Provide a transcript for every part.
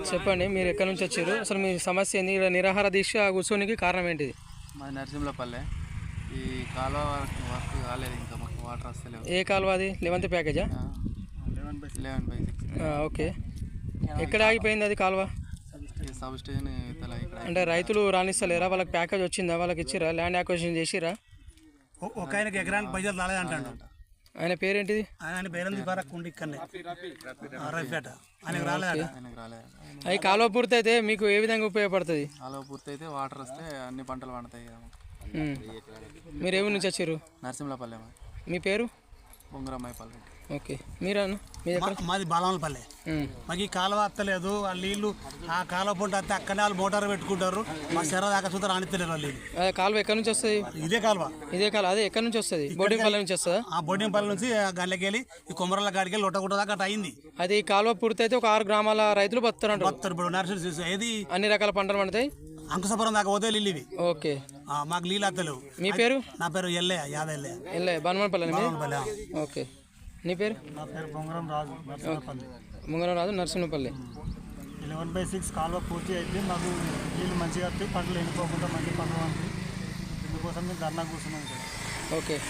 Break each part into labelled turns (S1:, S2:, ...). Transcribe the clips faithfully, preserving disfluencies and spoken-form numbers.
S1: చెప్పండి, మీరు ఎక్కడి నుంచి వచ్చారు, అసలు మీ సమస్య ఏంది, నిరాహార దీక్ష కూర్చోనికి కారణం ఏంటిది?
S2: మాది నరసింహపల్లె. ఈ కాలువ వర్క్ కాలేదు, ఇంకా మాకు వాటర్ వస్తలేవు.
S1: ఏ కాలువ అది? లెవెన్త్ ప్యాకేజా?
S2: Eleven by eleven by six.
S1: Okay, ఎక్కడ ఆగిపోయింది అది కాలువ?
S2: సబ్ స్టేషన్ ఇతల ఇక్కడ.
S1: అంటే రైతులు రాణిస్తలేరా? వాళ్ళకి ప్యాకేజ్ వచ్చిందా? వాళ్ళకి ఇచ్చిరా? ల్యాండ్ అక్విజిషన్ చేసిరా?
S3: ఒక ఆయనకి ఎకరానికి పైసలు రాలేదు అంటాడు.
S1: ఆయన పేరేంటిది?
S3: ఆయన పేరు కుండి ఇక్కడనే రవిపేట. ఆయనకు రాలేదు.
S2: ఆయనకు రాలేదు.
S1: అది కాలువ పూర్తి అయితే మీకు ఏ విధంగా ఉపయోగపడుతుంది?
S2: కాలువ పూర్తి అయితే వాటర్ వస్తే అన్ని పంటలు పండుతాయి కదా.
S1: మీరు ఏ ఊరి నుంచి వచ్చారు?
S2: నరసింహపల్లె.
S1: మీ పేరు?
S2: బొంగరమ్మాయిపల్లె.
S1: ఓకే, మీరాను?
S3: మాది బాలమలపల్లె. మాకు ఈ కాలువ వస్తలేదు. ఆ నీళ్లు ఆ కాలువ పొంట వస్తే అక్కడనే వాళ్ళు మోటార్ పెట్టుకుంటారు. మా శర దాకా చూద్దాం రానిస్తలేరు వాళ్ళు.
S1: అదే కాలువ ఎక్కడి నుంచి వస్తుంది?
S3: ఇదే కాలువ.
S1: ఇదే కాలువ అదే ఎక్కడి నుంచి వస్తుంది? బోర్డింగ్పల్లి నుంచి వస్తుందా?
S3: ఆ బోర్డింగ్పల్లి నుంచి గల్లకి వెళ్ళి ఈ కొమరల కాడికి వెళ్ళి లొట్టగుట్ట దాకా అట్లా అయింది.
S1: అది కాలువ పూర్తి అయితే ఒక ఆరు గ్రామాల రైతులు బతున్నారు.
S3: బతున్నారు. ఇప్పుడు నర్సరీ ఏది
S1: అన్ని రకాల పంటలు పండుతాయి.
S3: అంకుశపురం దాకా పోతే నీళ్ళు ఇవి.
S1: ఓకే,
S3: మాకు నీళ్ళు వస్తలేవు.
S1: మీ పేరు?
S3: నా పేరు ఎల్లయ్య, యాద ఎల్లయ్య.
S1: ఎల్లయ్య, బనమనపల్లి. ఓకే, నీ పేరు?
S3: నా పేరు Bongaram Raju, Narasimhapalli.
S1: Mungaram Raju, Narasimhapalli.
S3: Eleven by six కాలువ పూర్తి అయితే మాకు నీళ్ళు మంచిగా వస్తాయి, పంటలు ఎండిపోకుండా మంచి పంటలు పండుతాయి. ఇందుకోసం మేము ధర్నా కూర్చున్నాం ఇక్కడ.
S1: ఓకే,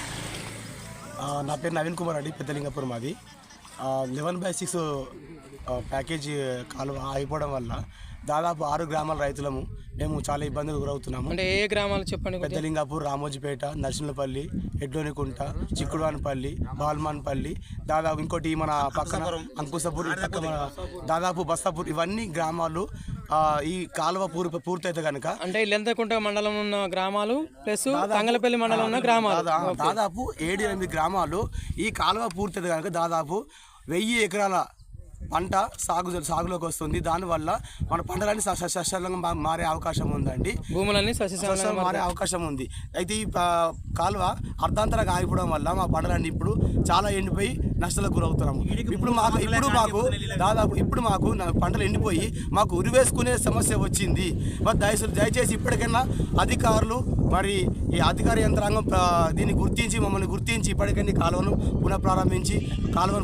S4: నా పేరు నవీన్ కుమార్ అండి, పెద్దలింగపురం. మాది లెవెన్ బై సిక్స్ ప్యాకేజీ కాలువ అయిపోవడం వల్ల దాదాపు ఆరు గ్రామాల రైతులము మేము చాలా ఇబ్బందులు గురవుతున్నాము.
S1: అంటే ఏ గ్రామాలు చెప్పండి?
S4: పెద్దలింగాపూర్, రామోజీపేట, నరసింహపల్లి, ఎడ్లోనికుంట, చిక్కుడువానిపల్లి, బాల్మాన్పల్లి, దాదాపు ఇంకోటి మన పక్కన అంకుశపూర్, పక్క దాదాపు బస్తాపూర్, ఇవన్నీ గ్రామాలు ఈ కాలువ పూర్ పూర్తయితే కనుక.
S1: అంటే ఇల్లెంతకుంట మండలం ఉన్న గ్రామాలు ప్లస్ తంగలపల్లి మండలం ఉన్న గ్రామాలు
S4: దాదాపు ఏడు ఎనిమిది గ్రామాలు ఈ కాలువ పూర్తయితే కనుక దాదాపు వెయ్యి ఎకరాల పంట సాగు సాగులోకి వస్తుంది. దానివల్ల మన పంటలన్నీ సస్యశ్యామలంగా మారే అవకాశం ఉందండి.
S1: భూములన్నీ సస్యశ్యామలంగా
S4: మారే అవకాశం ఉంది. అయితే ఈ కాలువ అర్ధాంతరంగా ఆగిపోవడం వల్ల మా పంటలన్నీ ఇప్పుడు చాలా ఎండిపోయి నష్టాలకు గురవుతున్నాము. ఇప్పుడు మాకు ఇప్పుడు మాకు దాదాపు ఇప్పుడు మాకు పంటలు ఎండిపోయి మాకు ఉరివేసుకునే సమస్య వచ్చింది. మరి దయచేసి దయచేసి ఇప్పటికైనా అధికారులు మరి ఈ అధికార యంత్రాంగం దీన్ని గుర్తించి మమ్మల్ని గుర్తించి ఇప్పటికైనా కాలువను పునః ప్రారంభించి కాలువను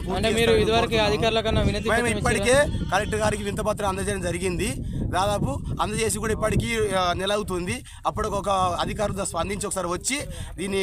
S4: మేము ఇప్పటికే కలెక్టర్ గారికి వింతపత్రం అందజేయడం జరిగింది. దాదాపు అందజేసి కూడా ఇప్పటికీ నెల అవుతుంది. అప్పుడు ఒక అధికారులు స్పందించి ఒకసారి వచ్చి దీన్ని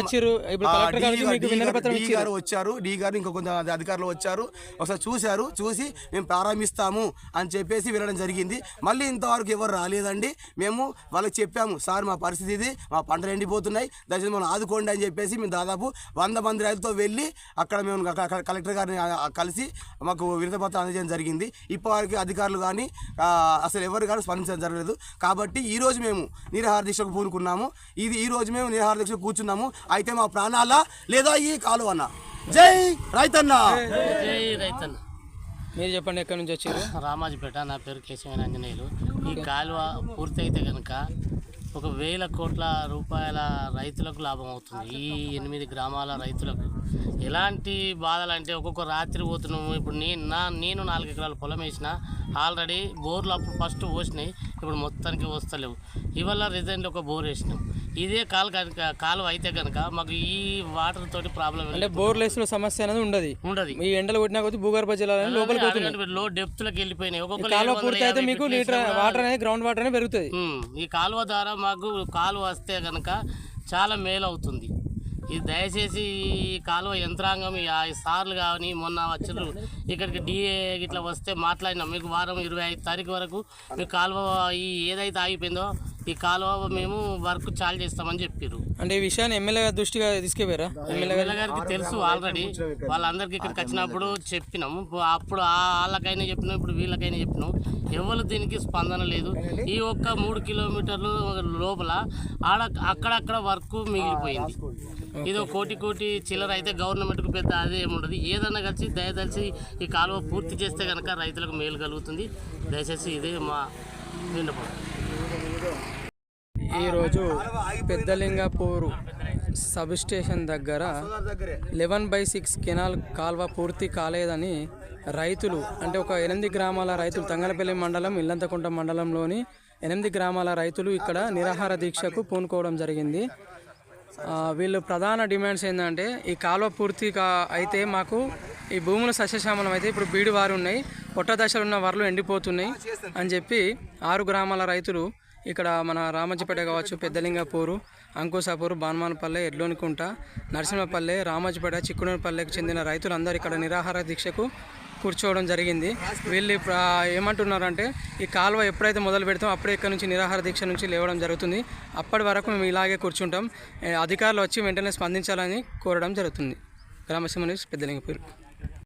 S4: డి గారు వచ్చారు, డి గారు ఇంకో కొంత అధికారులు వచ్చారు, ఒకసారి చూశారు. చూసి మేము ప్రారంభిస్తాము అని చెప్పేసి వెళ్ళడం జరిగింది. మళ్ళీ ఇంతవరకు ఎవరు రాలేదండి. మేము వాళ్ళకి చెప్పాము, సార్ మా పరిస్థితి ఇది, మా పంటలు ఎండిపోతున్నాయి, దయచేసి మనం ఆదుకోండి అని చెప్పేసి మేము దాదాపు వంద మంది రైతులతో వెళ్ళి అక్కడ మేము కలెక్టర్ గారిని కలిసి మాకు వినతిపత్రం అందజేయడం జరిగింది. ఇప్పటివరకు అధికారులు కానీ అసలు ఎవరు కానీ స్పందించడం జరగలేదు. కాబట్టి ఈరోజు మేము నిరాహార దీక్షకు పూనుకున్నాము. ఇది ఈరోజు మేము నిరాహార దీక్షకు కూర్చున్నాము. అయితే మా ప్రాణాల లేదా ఈ కాలువ అన్న. జై రైతన్న.
S5: జై రైతన్న.
S1: మీరు చెప్పండి, ఎక్కడి నుంచి వచ్చారు?
S5: రామాజీపేట. నా పేరు కేశవన్ ఆంజనేయులు. ఈ కాలువ పూర్తి అయితే కనుక ఒక వేల కోట్ల రూపాయల రైతులకు లాభం అవుతుంది. ఈ ఎనిమిది గ్రామాల రైతులకు ఎలాంటి బాధలు అంటే ఒక్కొక్క రాత్రి పోతున్నాము. ఇప్పుడు నేను నా నేను నాలుగు ఎకరాల పొలం వేసిన, ఆల్రెడీ బోర్లు అప్పుడు ఫస్ట్ పోసినాయి, ఇప్పుడు మొత్తానికి వస్తలేవు. ఇవాళ రిజైన్లో ఒక బోర్ వేసినాం. ఇదే కాలు కనుక కాలువ అయితే కనుక మాకు ఈ వాటర్ తోటి ప్రాబ్లం
S1: అంటే బోర్లెస్ సమస్య అనేది ఉండదు ఉండదు ఈ ఎండలు కొట్టినా కొద్ది భూగర్భ జలాలు లోపలికి పోతున్నాయి,
S5: లో డెప్త్ లకు వెళ్ళిపోయినాయి. ఒక్కొక్క
S1: కాలువ పూర్తి అయితే మీకు లీటర్ వాటర్ అనేది గ్రౌండ్ వాటర్ అనేది పెరుగుతుంది.
S5: ఈ కాలువ ద్వారా మాకు కాలువ వస్తే కనుక చాలా మేలు అవుతుంది. ఇది దయచేసి ఈ కాలువ యంత్రాంగం సార్లు కానీ మొన్న వచ్చారు ఇక్కడికి డిఏ ఇట్లా వస్తే మాట్లాడినాం. మీకు వారం ఇరవై ఐదు తారీఖు వరకు మీ కాలువ ఈ ఏదైతే ఆగిపోయిందో ఈ కాలువ మేము వర్క్ చాలు చేస్తామని చెప్పారు.
S1: అంటే ఈ విషయాన్ని ఎమ్మెల్యే గారి దృష్టిగా తీసుకెళ్లారా?
S5: ఎమ్మెల్యే గారికి తెలుసు ఆల్రెడీ. వాళ్ళందరికీ ఇక్కడికి వచ్చినప్పుడు చెప్పినాం. అప్పుడు వాళ్ళకైనా చెప్పినాం, ఇప్పుడు వీళ్ళకైనా చెప్పినాం. ఎవరు దీనికి స్పందన లేదు. ఈ ఒక్క మూడు కిలోమీటర్లు లోపల ఆడ అక్కడక్కడ వర్క్ మిగిలిపోయింది. ఇది కోటి కోటి చిల్లర అయితే గవర్నమెంట్కు పెద్ద అదే ఏముండదు. ఏదన్నా కలిసి దయదలిసి ఈ కాలువ పూర్తి చేస్తే కనుక రైతులకు మేలు కలుగుతుంది. దయచేసి ఇదే మా విన్నపం.
S1: ఈరోజు పెద్దలింగపూర్ సబ్ స్టేషన్ దగ్గర లెవెన్ బై సిక్స్ కెనాల్ కాల్వ పూర్తి కాలేదని రైతులు, అంటే ఒక ఎనిమిది గ్రామాల రైతులు, తంగలపల్లి మండలం, ఇల్లంతకుంట మండలంలోని ఎనిమిది గ్రామాల రైతులు ఇక్కడ నిరాహార దీక్షకు పూనుకోవడం జరిగింది. వీళ్ళు ప్రధాన డిమాండ్స్ ఏంటంటే ఈ కాలువ పూర్తిగా అయితే మాకు ఈ భూముల సస్యశ్యామలం అయితే ఇప్పుడు బీడు వారు ఉన్నాయి, పొట్ట దశలో ఉన్న వరలు ఎండిపోతున్నాయి అని చెప్పి ఆరు గ్రామాల రైతులు ఇక్కడ మన రామజ్జిపేట కావచ్చు, పెద్దలింగపూరు, అంకుశాపూరు, బాన్మానపల్లె, ఎడ్లోనికుంట, నరసింహపల్లె, రామజ్జిపేట, చిక్కునపల్లెకి చెందిన రైతులందరూ ఇక్కడ నిరాహార దీక్షకు కూర్చోవడం జరిగింది. వీళ్ళు ఏమంటున్నారంటే ఈ కాలువ ఎప్పుడైతే మొదలు పెడతామో అప్పుడే ఇక్కడ నుంచి నిరాహార దీక్ష నుంచి లేవడం జరుగుతుంది. అప్పటి వరకు మేము ఇలాగే కూర్చుంటాం. అధికారులు వచ్చి వెంటనే స్పందించాలని కోరడం జరుగుతుంది. గ్రామసీమ న్యూస్, పెద్దలింగపూరు.